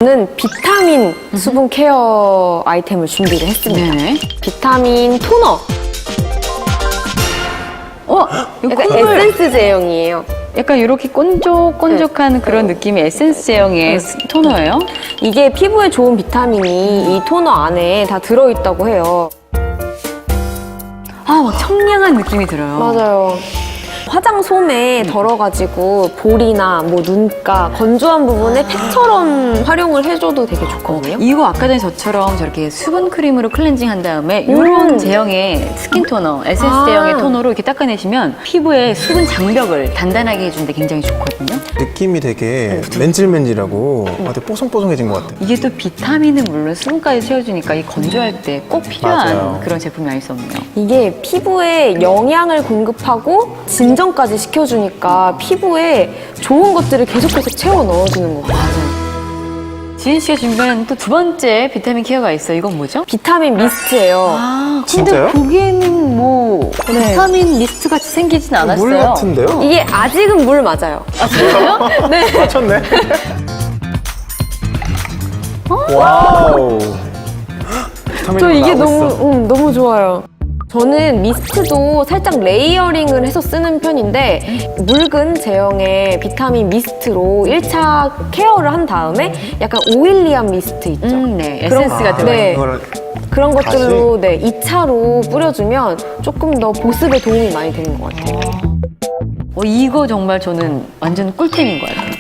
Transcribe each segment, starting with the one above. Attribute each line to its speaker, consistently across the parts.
Speaker 1: 저는 비타민 수분 케어 아이템을 준비를 했습니다.
Speaker 2: 네.
Speaker 1: 비타민 토너.
Speaker 2: 이거
Speaker 1: 약간 에센스 제형이에요.
Speaker 2: 약간 이렇게 꼰족꼰족한 그런 느낌의 에센스 제형의 토너예요?
Speaker 1: 이게 피부에 좋은 비타민이 이 토너 안에 다 들어있다고 해요.
Speaker 2: 막 청량한 느낌이 들어요.
Speaker 1: 맞아요. 화장솜에 덜어가지고 볼이나 뭐 눈가 건조한 부분에 팩처럼 활용을 해줘도 되게 좋거든요.
Speaker 2: 이거 아까 전에 저처럼 저렇게 수분 크림으로 클렌징 한 다음에 이런 제형의 스킨 토너, 에센스 제형의 토너로 이렇게 닦아내시면 피부의 수분 장벽을 단단하게 해주는데 굉장히 좋거든요.
Speaker 3: 느낌이 되게 맨질맨질하고 되게 뽀송뽀송해진 것 같아요.
Speaker 2: 이게 또 비타민은 물론 수분까지 채워주니까 이 건조할 때 꼭 필요한
Speaker 3: 맞아요.
Speaker 2: 그런 제품이 아닐 수 없네요.
Speaker 1: 이게 피부에 영양을 공급하고 진정까지 시켜주니까 피부에 좋은 것들을 계속해서 채워 넣어주는 것 같아요.
Speaker 2: 지은 씨가 준비한 또 두 번째 비타민 케어가 있어요. 이건 뭐죠?
Speaker 1: 비타민 미스트예요.
Speaker 2: 근데
Speaker 3: 진짜요?
Speaker 2: 보기에는 뭐 비타민 미스트 같이 생기진 않았어요.
Speaker 3: 물 같은데요?
Speaker 1: 이게 아직은 물 맞아요.
Speaker 2: 진짜요?
Speaker 1: 네.
Speaker 3: 맞췄네. 와우.
Speaker 1: 저 이게
Speaker 3: 나오고 있어.
Speaker 1: 너무 좋아요. 저는 미스트도 살짝 레이어링을 해서 쓰는 편인데 묽은 제형의 비타민 미스트로 1차 케어를 한 다음에 약간 오일리한 미스트 있죠.
Speaker 2: 네. 에센스가 들어요.
Speaker 1: 네.
Speaker 3: 이거를
Speaker 1: 그런 것들로 2차로 뿌려주면 조금 더 보습에 도움이 많이 되는 것 같아요.
Speaker 2: 이거 정말 저는 완전 꿀템인 것 같아요.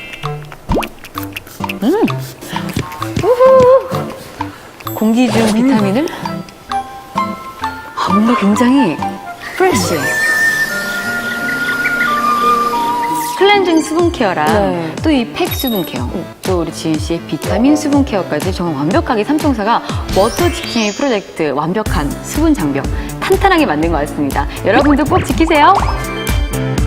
Speaker 2: 공기 중 비타민을 뭔가 굉장히 프레쉬해. 클렌징 수분 케어랑
Speaker 1: 네.
Speaker 2: 또 이 팩 수분 케어, 또 우리 지은 씨의 비타민 수분 케어까지 정말 완벽하게 삼총사가 워터 지킴이 프로젝트 완벽한 수분 장벽 탄탄하게 만든 것 같습니다. 여러분도 꼭 지키세요.